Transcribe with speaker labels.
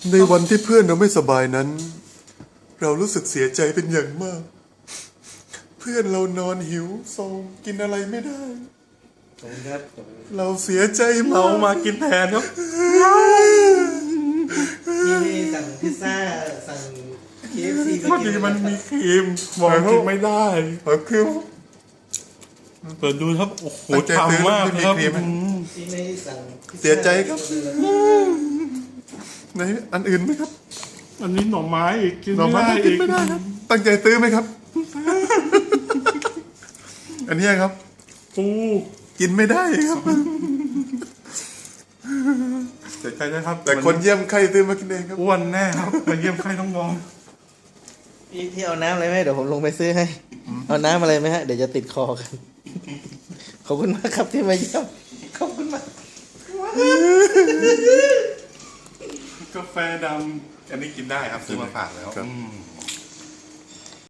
Speaker 1: ในวันที่เพื่อนเราไม่สบายนั้น เรารู้สึกเสียใจเป็นอย่างมาก เพื่อนเรานอนหิวโซมกินอะไรไม่ได้
Speaker 2: ขอบคุณครับ
Speaker 1: เราเสียใจ
Speaker 3: เรา
Speaker 1: มาก
Speaker 3: มากินแทนครับ
Speaker 2: ที่สั่งพิซซ่าสั่ง KFC
Speaker 3: พอดีมันมีครีมมองกินไม่ได้
Speaker 1: คือ
Speaker 3: เปิดดูครับโอ้โห
Speaker 1: ตั้งใจซื้อ
Speaker 3: ทำมาก
Speaker 1: ไม่มี
Speaker 3: ครับ
Speaker 1: ครีม
Speaker 2: ที่ไม่สั่งพิซซ่า
Speaker 1: เสียใจครับ ในอันอื่นไหมครับ
Speaker 3: อันนี้หน่อไม้อีกกิน
Speaker 1: หน่อ
Speaker 3: ไม่
Speaker 1: ไม้
Speaker 3: ได้
Speaker 1: กิน
Speaker 3: อีก
Speaker 1: ไม่ได้ครับ ตั้งใจซื้อไหมครับ อันเนี้ยครับ
Speaker 3: ปู
Speaker 1: กินไม่ได้ครับ
Speaker 3: เสียใจนะครับ
Speaker 1: แต่คนเยี่ยมไข้ซื้อมากินเองครับ
Speaker 3: อ้วนแน่ครับมาเยี่ยมไข้ต้องน้อง
Speaker 2: พี่เอาน้ำอะไรไหมเดี๋ยวผมลงไปซื้อให้ เอาน้ำอะไรไหมฮะเดี๋ยวจะติดคอกัน ขอบคุณมากครับที่มาเยี่ยมขอบคุณมาก
Speaker 3: กาแฟดำอันนี้กินได้ครับซื้อมาฝากแล้ว
Speaker 1: ครับ
Speaker 3: อืม